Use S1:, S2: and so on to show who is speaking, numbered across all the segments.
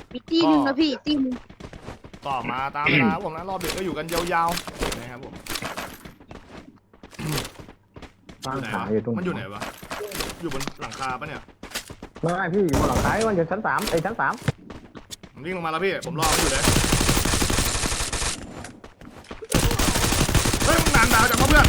S1: มีตีหนึ่งนะพี่ตีหนึ่ง
S2: ต่อมาตามเวลาครับผมนะรอบดึกก็อยู่กันยาวๆนะครับผม
S3: ตั้งขาอยู่ตรง
S2: มันอยู่ไหนวะอยู่บนหลังคาปะเนี่ย
S3: ไม่พี่อยู่บนหลังคามันอยู่ชั้นสามไอ้ชั้นสาม
S2: ผมวิ่งลงมาแล้วพี่ผมรอมันอยู่เลยเฮ้ยมึงนานดาวจังวะเพื่อน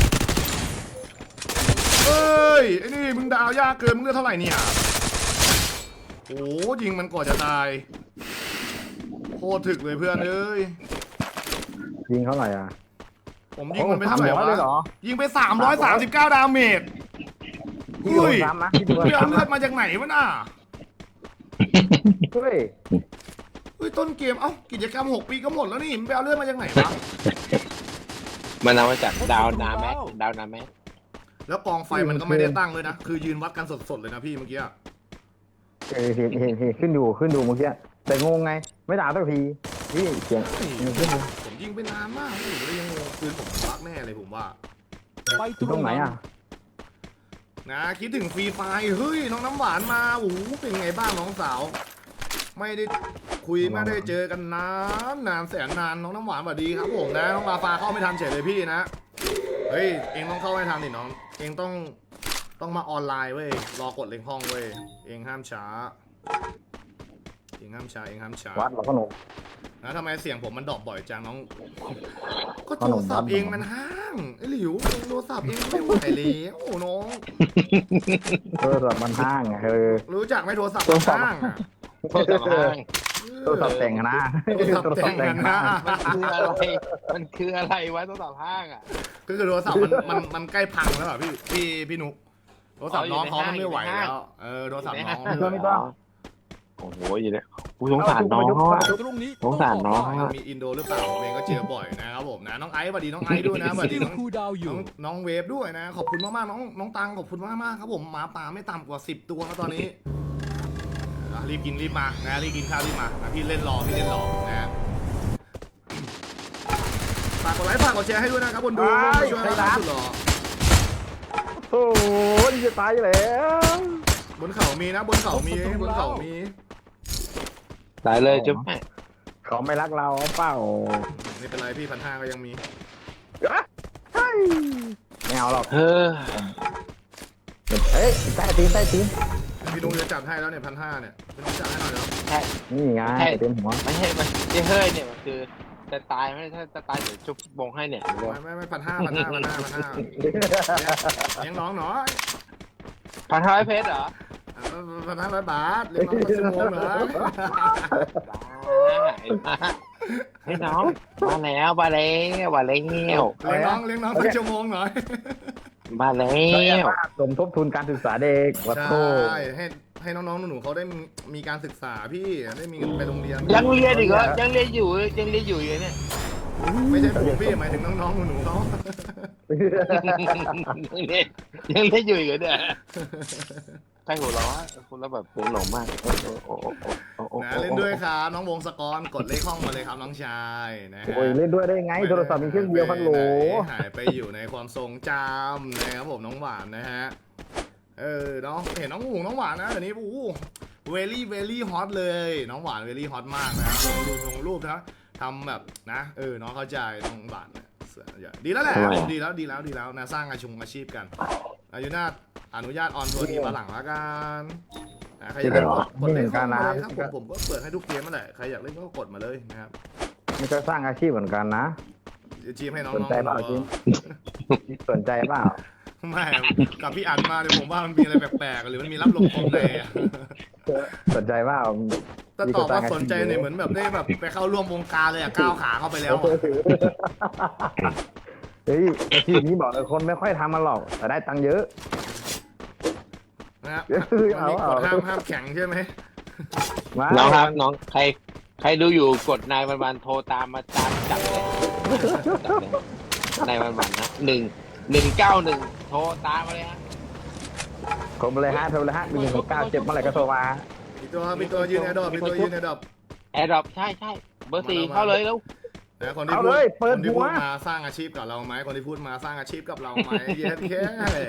S2: เฮ้ยไอ้นี่มึงดาวยากเกินมึงเลือดเท่าไหร่เนี่ยโอ้ยิงมันก่อนจะตายโคตรถึกเลยเพื่อนเอ้ย
S3: ยิงเท่าไหร่อ่ะ
S2: ผมยิงมันไปเท่าไหร่
S3: 300เลยเหรอ
S2: วะยิงไป339ดาเมจ
S3: พี่โดนซ้ำนะพี่โดน
S2: เพื่อน
S3: ซ้ำ
S2: เลือ
S3: นะ
S2: ดมาจากไหนวะน่ะ
S3: เฮ้ย
S2: เฮ้ยต้นเกมเอ้ากิจกรรม6 ปีก็หมดแล้วนี่มันไปเอาเลือดมาจากไหนวะ
S4: มันเอามาจากดาวนาแม็กดาวนาแม็ก
S2: แล้วกองไฟมันก็ไม่ได้ตั้งเลยนะคือยืนวัดกันสดๆเลยนะพี่เมื่อกี้อะ
S3: เห็นขึ้นดูเมื่อกี้แต่งงไงไม่ด่าสักทีพี่เสียง
S2: เฮ้ย
S3: ขึ้นดู
S2: ผมยิงไปนานมากผมเลยยังงงปืนผมบักแน่เลยผมว่า
S5: ไป
S3: ตรงไหนอ่ะ
S2: นะคิดถึงฟรีไฟเฮ้ยน้องน้ำหวานมาโอ้โหเป็นไงบ้างน้องสาว ไม่ได้คุยไม่ได้เจอกันนานแสนนานน้องน้ำหวานสวัสดีครับผมนะน้องลาฟาเข้าไม่ทันเฉยเลยพี่นะเฮ้ยเองต้องเข้าให้ทันดิน้องเองต้องมาออนไลน์เว้ยรอกดเล็งห้องเว้ยเองห้ามช้าเองห้ามช้า
S3: วัดเราก็หนุก
S2: นะทำไมเสียงผมมันดรอปบ่อยจังน้องก็โทรศัพท์เองมันห้างไอ้หลิวโทรศัพท์เองไม่ไหวแล้วโอ้น้อง
S3: แบบมันห้างไง
S2: รู้จักไหมโทรศัพท์มันห้างอะ
S4: โทษสำห้าง
S3: ตัวสับแต่งนะ
S2: โทรศัพท์แต่งกันนะ
S4: มันคืออะไรวะโทรศัพท์ห้างอ่ะ
S2: ก็คือโทรศัพท์มันใกล้พังแล้วอ่ะพี่นุกโทรศัพท์น้องเขามันไม่ไหวแล้วโทรศัพท์น้องไม่ไหว
S4: โอ้โหอยู่เนี่ยกูสงสารน้องอ่ะ
S5: ตรงนี้
S4: สงสารน้อง
S2: มีอินโดหรือเปล่าผมเองก็เจอบ่อยนะครับผมนะน้องไอซ์สวัสดีน้องไอซ์ด้วยนะสวัสดีน้อง
S5: คูดาวอยู่
S2: น้องเวฟด้วยนะขอบคุณมากๆน้องตังขอบคุณมากๆครับผมหมาป่าไม่ต่ำกว่า10 ตัวแล้วตอนนี้รีบกินรีบมานะรีบกินข้าวรีบมานะพี่เล่นรอนะฝากกดไลค์ฝากกดแชร์ให้ด้วยนะครับคนดูมาช่วยเราสุดหล่อ
S3: โอ้ยจะตายแล้ว
S2: บนเขามีนะบนเขามี
S4: ตายเลยจุ๊บ
S3: เขาไม่รักเราเปล่า
S2: ไม่เป็นไรพี่1,500ก็ยังมี
S3: ไม่เอาหรอก
S4: เฮ้อ
S3: เอ้ยใต้ตีน
S2: พี่ลุงจะจัดให้แล้วเนี่ย1,500เนี่ยพี่ลุงจัดให้หน่อยแล้ว
S3: นี่ไงเต็มหัว
S4: ไม่ใช่มันที่เฮ้ยเนี่ยมันคือจะตายไม่ถ้าจะตายเดี๋ยวจุ๊บบงให้เนี่ย
S2: ไม่1,500เลี้ยงน้องหน่อย
S4: 1,500เพชรเหรอ
S2: 1,500 บาทเลี้ยงน้องชั่วโมงเหรอ
S4: ให้น้องมาแล้ว
S2: เลี้ยงน้องสักชั่วโมงหน่อย
S4: มาแล้
S3: สมทบทุนการศึกษาเด็กวัดโท
S2: ใช่ให้น้องๆหนูๆเขาได้มีการศึกษาพี่ได้มีเงินไปโรงเรียน
S4: ยังเรียนอีกเหรอยังเรียนอยู่อยู่เนี่ย
S2: ไม่ใช่ผมพี่หมายถึงน้องๆหนูๆเขา
S4: ยังเรียนอยู่อีกเหรอเนี่ยใครหัวเราะคุณแล้วแบบเป็นหลงมาก
S2: นะเล่นด้วยครับน้องวงศกรกดเลขห้องมาเลยครับน้องชายนะฮะ
S3: โอ้ยเล่นด้วยได้ไงโทรศัพท์มีเครื่องเดียวพันโหล
S2: หายไปอยู่ในความทรงจำนะครับผมน้องหวานนะฮะเนาะเห็นน้องหวานนะเดี๋ยวนี้โอ้เวลี่ฮอตเลยน้องหวานเวลี่ฮอตมากนะลงรูปนะทำแบบนะน้องเข้าใจน้องหวานดีแล้วแหละผมดีแล้วนะสร้างอาชีพกันอายุนาอนุญาตออนทัวร์ทีมาหลังละกันใครอยากเล่นก็กดเล่นเข้ามาเลยครับผมก็เปิดให้ทุกเกมนั่นแหละใครอยากเล่นก็กดมาเลยนะครับ
S3: มันก็สร้างอาชีพเหมือนกันนะ
S2: จีมให้น้อง
S3: สนใจเปล่าจีมสนใจเปล่า
S2: ไม่กับพี่อันมาเนี่ยผมว่ามันมีอะไรแปลกๆหรือมันมีรับลมคมในอะ
S3: สนใจเปล่า
S2: แต่ตอบว่าสนใจเนี่ยเหมือนแบบได้แบบไปเข้าร่วมวงการเลยอะก้าวขาเข้าไปแล้วอะ
S3: เฮ้ยอาชีพนี้บอกเลยคนไม่ค่อยทำมันหรอกแต่ได้ตังค์เยอะ
S2: นะครับมันมีกฎห้ามแข่งใช่ไหม
S4: น้องครับน้องใครดูอยู่กดนายวันโทรตามมาจับเลยนายวันนะ191โทรตามมาเลยฮะ
S3: ผมเลยฮะโทรเลยฮะมี169เจ็บเมื่อไหร่ก็โทรมา
S2: มีตัวยืนแอร์ดรอป
S4: แอร์ดรอปใช่เบอร์ 4เข้าเลยแล้ว
S2: นะคนที่
S3: เอา
S2: พู
S3: เล
S2: ด
S3: ยเปิ
S2: ค
S3: ด
S2: นที่
S3: หั
S2: พู
S3: ว
S2: ดมาสร้างอาชีพกับเราไหมคนที่พูดมาสร้างอาชีพกับเราไหมเย็นแค่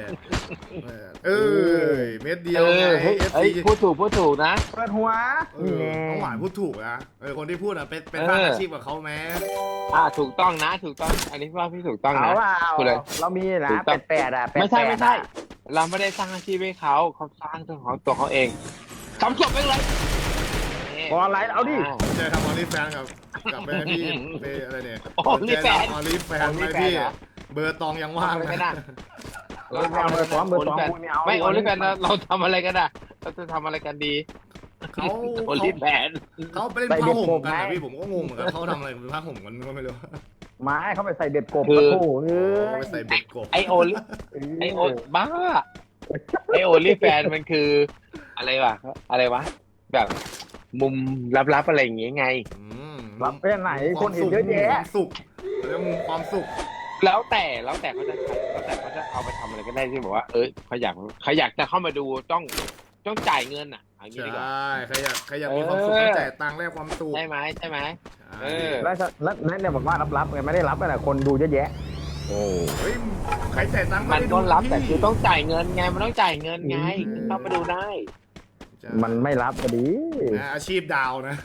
S2: เม็ดเดียวไง
S4: เฮ้ยพูดถูกนะ
S3: เปิดหัวนี่แน่
S2: น้องหวานพูดถูกนะคนที่พูดอ่ะเป็นสร้างอาชีพกับเขาไหม
S4: ถูกต้องนะถูกต้องอันนี้ว่าพี่ถูกต้อง
S3: เอา
S4: นะ
S3: ว่า
S4: พูดเลย
S3: เรามีนะ
S4: ถูกต้อง
S3: แปดอ่ะแปด
S4: ไม่ใช่
S3: แปด
S4: ไม่ใช่ เราไม่ได้สร้างอาชีพให้เขาสร้างตัวเขาเองทำศพไปเลย
S3: พออะไรเอาดิ
S2: เจอทำออลิแฟนกับไปพี่ไปอะไรเนี่ย
S4: ออลิแฟน
S2: ออลิแฟนไหมพี่เบอร์ตองยังว่าง
S4: ทำอะไรกัน
S2: นะ
S4: นะ
S3: เบอร์สองคุณไม่เอา
S4: ไม่โอลิแฟนเราทำอะไรกันอ่ะเราจะทำอะไรกันดี
S2: เขา
S4: โอลิแฟน
S2: เขาไปเล่นผ้าห่มกันนะพี่ผมก็งงเหมือนกันเขาทำอะไรเป็นผ้าห่มกันก็ไม่รู้
S3: ไม้เขาไปใส่เบ็ดกบกระโถเอ้ย
S2: ไปใส่เบ็ดกบ
S4: ไอโอบ้าไอโอลิแฟนมันคืออะไรวะแบบมุมลับๆอะไรอย่างเงี้ยไง
S3: รับไปไหนคนเห็นเยอะแยะ
S2: ความสุขแล้วมุมความสุข
S4: แล้วแต่เขาจะเอาไปทำอะไรก็ได้ที่บอกว่าเขาอยากจะเข้ามาดูต้องจ่ายเงินอ่ะอย่างนี้
S2: ใช่
S4: ดีกว่า
S2: ใครอยากมีความสุขต้องจ่ายตังค์แลกความสุข
S4: ใช่ไหมเออ
S3: แล้วนั่นเนี่ยบอกว่ารับไงไม่ได้รับอะไรคนดูเยอะแยะ
S4: โอ้
S2: เฮ้ยใครจ่ายตังค์
S4: มันก็รับแต่คือต้องจ่ายเงินไงมันต้องจ่ายเงินไงถึงเข้ามาดูได้
S3: มันไม่รับก็ดี
S2: อาชีพดาวนะ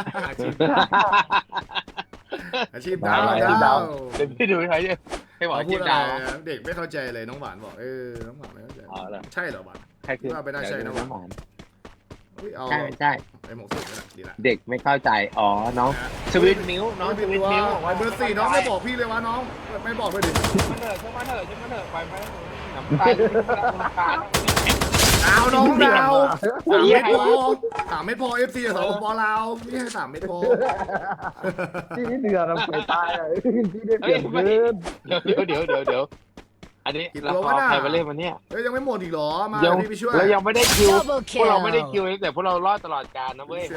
S2: อาชีพดาว
S3: อาชีพดาว
S4: เดี๋ยวพี่ดูให้บอก
S2: เขาพู
S4: จี
S2: ด
S4: บ
S2: อะไร
S4: ดาว
S2: เด็กไม่เข้าใจเลยน้องหวานบอกน้องหวานไม่เข้าใจ
S4: อ๋อเหรอ
S2: ใช่เหรอหวาน
S4: ใช่คือ
S2: ว่าไปได้ใช่นะ
S4: น้ำหวาน
S2: เอา
S4: ใช่
S2: ไอ้หมกสุกนี่แหละดีละ
S4: เด็กไม่เข้าใจอ๋อน้องสวิตนิ้วน้องสวิตนิ้ว
S2: ไอ้เบอร์สี่น้องไม่บอกพี่เลยวะน้องไม่บอกเลยดิ
S4: มาเถอะไปน้ำตาล
S2: ดาวน้องดาว3 เม็ดพอFC สองปอลาวพี่ให้3 เม็ดพอ
S3: ที่นี่เดือดเราไปตายที่ได้เปลี่ยนเกิน
S4: เดี๋ยวอันนี้เราเอาใครมาเล่นวันเนี้ย
S2: ยังไม่หมดอีกเหรอมาพี่ไปช่วย
S4: เรายังไม่ได้คิว
S1: Double
S4: พวกเราไม่ได้
S1: kill
S4: คิวแต่พวกเรารอดตลอดกาลนะเว้ย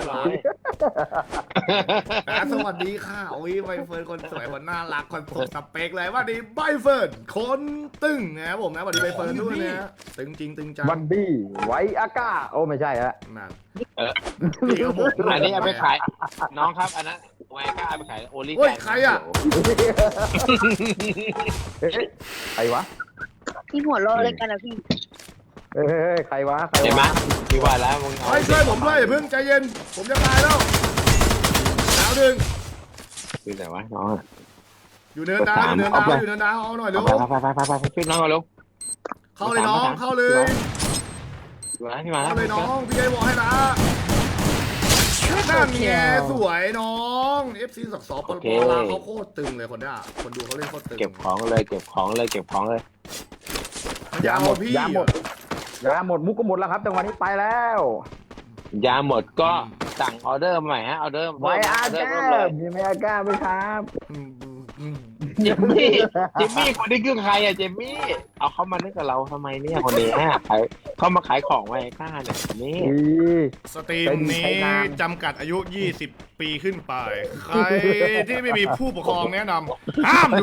S2: สวัสดีค่ะโอ้ยใบเฟิร์นคนสวยคนน่ารักคนสมสเปคเลยว่าดีใบเฟิร์นคนตึงนะครับผมนะสวัสดีใบเฟิร์นด้วยนะตึงจริงตึงจัง
S3: บันดี้ไวอาก้าโอ้ไม่ใช่ฮะ
S2: นั่นพี่เขาบอก
S4: อันนี้เอาไปขายน้องครับอันนั้นแวก้าเอาไปขายโอลิ
S2: เฮ้ยใครอ่ะ
S3: ใครวะ
S1: พี่หัวโลเลยกันนะพี่
S3: เฮ้ยใครวะ
S4: เห็นไหมพี่ว่าแล้วมึง
S2: เฮ้ยช่วยผมด้วยเพิ่งใจเย็นผมจะตายแล้วดาวดึง
S4: คือไหนวะน้อง
S2: อยู่เนินดาวอยู่เนินดาวเอาหน่อยเร็ว
S4: ไปช่วยน้องมาเร็ว
S2: เข้าเลยน้องเข้าเลย
S4: พี่มาแล้ว
S2: เข้าเลยน้องพี่ไอ้บอกให้นะนั่นไงสวยน้อง FC สักสอปลาเขาโคตรตึงเลยคนนี้คนดูเขาเล่นโคตรตึง
S4: เก็บของเลย
S2: มันจะเอาพี่
S3: ยาหมดมุกก็หมดแล้วครับจังหวะนี้ไปแล้ว
S4: ยาหมดก็สั่งออเดอร์ใหม่ฮะออเดอร์
S3: ไวอาก้ามีไวอาก้าไหมครับ
S4: เจมมี่คนนี้คือใครอะเจมมี่เอาเข้ามาเล่นกับเราทำไมเนี่ยคนนี้ฮะเข้ามาขายของไว้ก้าเนี่ยนี่
S2: สตรีมนี้จำกัดอายุ20 ปีขึ้นไปใครที่ไม่มีผู้ปกครองแนะนำห้ามดู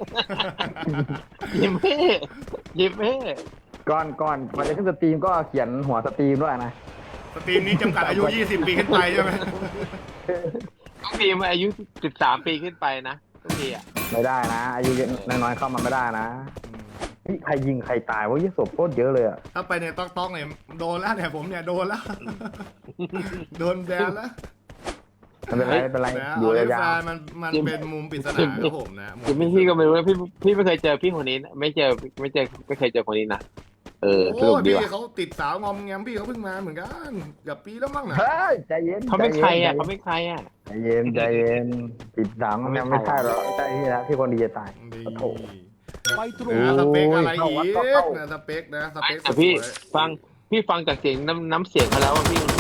S4: เจมมี่
S3: ก่อนจะขึ้นสตรีมก็เขียนหัวสตรีมด้วยนะ
S2: สตรีมนี้จำกัดอายุ20 ปีขึ้นไปใช่ไหม
S4: ต้องมีมาอายุ13 ปีขึ้นไปนะทุกทีอ่ะ
S3: ไม่ได้นะอายุน้อยๆเข้ามาไม่ได้นะนี่ใครยิงใครตายวะยี่ศพโคตรเยอะเลยอ่ะ
S2: ถ้าไปในต้องเนี่ยโดนแล้วเนี่ยผมเนี่ยโดนแล้วโดนแบนแล้ว
S3: ไม่เป็นไรอยู่
S2: เอาเลย
S3: ยา
S2: แฟ
S3: วน
S2: มันเป็นมุมปริศนาครับผมนะ
S4: เจมมี่พี่ก็ไม่รู้นะพี่ไม่เคยเจอพี่คนนี้ไม่เคยเจอคนนี้นะส
S2: โอ้
S4: รุปดี
S2: พี่
S4: ว่ะ
S2: เขาติดสาวงอมแงมพี่เขาเพิ่งมาเหมือนกันเกือบปีแล้วมั้งนะ
S3: เฮ้ยใจเย็น
S4: เขาไม่ใครอ่ะ
S3: ใจเย็นปิดดังมันไม่ใช่หรอกใช่ที่นะที่คนดีจะตาย
S2: ดี
S3: โอ้โห
S2: ไปตรงสเปคอะไรอีกนะสเปคนะสเปค
S4: แต่พี่ฟังจากเสียงน้ำเสียงเขาแล้วว่าพี่คน